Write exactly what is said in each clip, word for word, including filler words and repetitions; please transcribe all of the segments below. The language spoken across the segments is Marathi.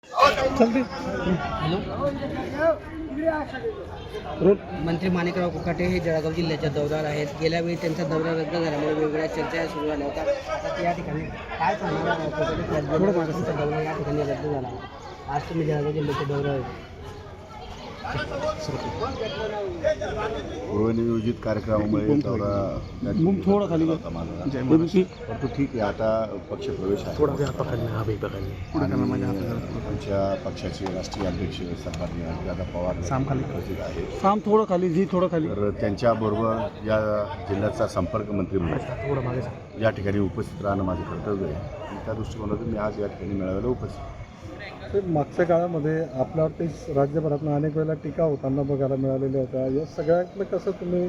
मंत्री माणिकराव कोकाटे हे जळगाव जिल्ह्याच्या दौऱ्यावर आहेत. गेल्या वेळी त्यांचा दौरा रद्द झाल्यामुळे वेगवेगळ्या चर्चा सुरू झाल्या होत्या. आता या ठिकाणी काय सांगणार कोकाटे दौरा या ठिकाणी रद्द झाला. आज तुम्ही जळगाव जिल्ह्याच्या दौऱ्यावर पूर्वनियोजित कार्यक्रमामुळे दौरा थोडं खाली परंतु ठीक आहे. आता पक्ष प्रवेश आहे. आमच्या पक्षाचे राष्ट्रीय अध्यक्ष सन्माननीय अजितदादा पवार साम खाली उपस्थित आहेत. साम थोडं खाली जी थोडं खाली तर त्यांच्याबरोबर या जिल्ह्याचा संपर्क मंत्री म्हणून या ठिकाणी उपस्थित राहणं माझं कर्तव्य आहे. आणि त्या दृष्टिकोनातून मी आज या ठिकाणी मेळाव्याला उपस्थित. मागच्या काळामध्ये आपल्यावरती राज्यभरातून अनेक वेळेला टीका होताना बघायला मिळालेल्या होत्या. या सगळ्यातलं कसं तुम्ही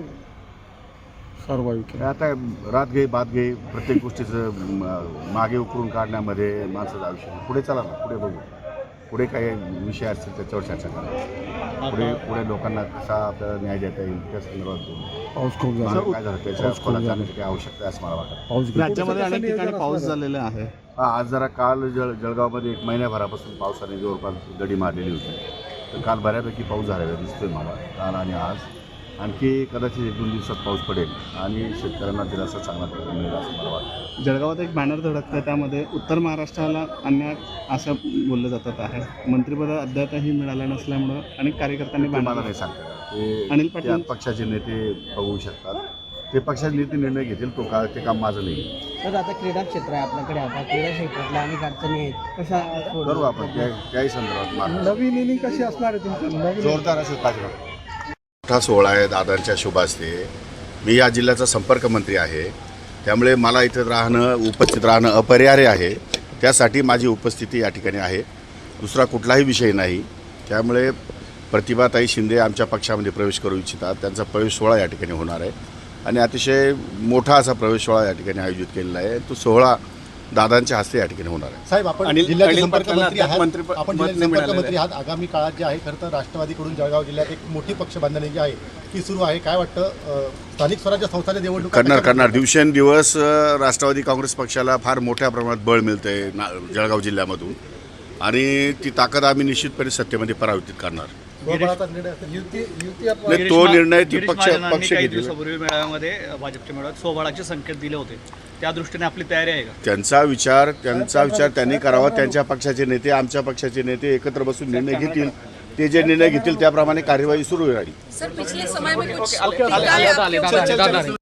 सर्वाईक आता रात घे बात घे प्रत्येक गोष्टीचं मागे उकरून काढण्यामध्ये माणसाचं आयुष्य. पुढे चला ना, पुढे बघू. पुढे काही विषय असतील त्याच्यावर चर्चा करा. पुढे पुढे लोकांना कसा आपल्याला न्याय देता येईल त्या संदर्भात बोलू. पाऊस खूप झाला. काय झालं त्याच्या खोलात जाण्याची काही आवश्यकता आहे असं मला वाटतं. पाऊस राज्यामध्ये अनेक ठिकाणी पाऊस झालेला आहे. हा, आज जरा काल जळ जळगावमध्ये एक महिन्याभरापासून पावसाने जवळपास दडी मारलेली होती. तर काल बऱ्यापैकी पाऊस झालेला दिसतोय मला काल आणि आज. आणखी कदाचित एक दोन दिवसात पाऊस पडेल आणि शेतकऱ्यांना दिलासा चांगला प्रकारे मिळेल असं मला वाटतं. जळगावात एक बॅनर धडकतं, त्यामध्ये उत्तर महाराष्ट्राला अन्याय असं बोललं जातात आहे. मंत्रिपद अद्यापही मिळालं नसल्यामुळं अनेक कार्यकर्त्यांनी मला नाही सांगता ते अनिल पाटील- त्या पक्षाचे नेते बघू शकतात. ते पक्षाचे नेते निर्णय घेतील. तो का ते काम माझं नाही. तर आता क्रीडा क्षेत्र आहे आपल्याकडे. आता क्रीडा क्षेत्रातल्या अनेक अडचणी आहेत. कशा बरोबर आपण त्या त्याही संदर्भात मार्ग नवीन इनिंग कशी असणार आहे तुमची नवीन जोरदार असेल पाहिजे. मोठा सोहळा आहे दादांच्या शुभास्ते. मी या जिल्ह्याचा संपर्क मंत्री आहे. त्यामुळे मला इथं राहणं उपस्थित राहणं अपरिहार्य आहे. त्यासाठी माझी उपस्थिती या ठिकाणी आहे. दुसरा कुठलाही विषय नाही. त्यामुळे प्रतिभाताई शिंदे आमच्या पक्षामध्ये प्रवेश करू इच्छितात. त्यांचा प्रवेश सोहळा या ठिकाणी होणार आहे आणि अतिशय मोठा असा प्रवेश सोहळा या ठिकाणी आयोजित केलेला आहे. तो सोहळा दादांच्या हस्ते या ठिकाणी होणार आहे. साहेब, आपण अनिल- जिल्ह्याचे अनिल संपर्क पाटलांना मंत्री आहात. मंत्री- आपण मत जिल्ह्याचे मिळालेलं संपर्क मंत्री आहात. आगामी काळात जे आहे खरं तर राष्ट्रवादीकडून जळगाव जिल्ह्यात एक मोठी पक्ष बांधणी जी आहे ती सुरू आहे. काय वाटतं, अ, स्थानिक स्वराज्य संस्थांच्या निवडणूक करणार करणार दिवसेंदिवस अ, राष्ट्रवादी काँग्रेस पक्षाला फार मोठ्या प्रमाणात बळ मिळतं आहे ना जळगाव जिल्ह्यामधून. आणि ती ताकद आम्ही निश्चितपणे सत्तेमध्ये परावर्तित करणार. नाही, तो निर्णय ती पक्ष पक्ष काही घेतील. दिवसापूर्वी मेळाव्यामध्ये भाजपच्या मेळाव्यात सोबळाचे संकेत दिले होते. त्या दृष्टीने आपली तयारी आहे का? त्यांचा विचार त्यांचा विचार त्यांनी करावा. त्यांच्या पक्षाचे नेते आमच्या पक्षाचे नेते एकत्र बसून निर्णय घेतील. ते जे निर्णय घेतील त्याप्रमाणे कार्यवाही सुरू राहील. सर, पिछले समय में कुछ आले- आले- आले- आले- आले- आले- आले-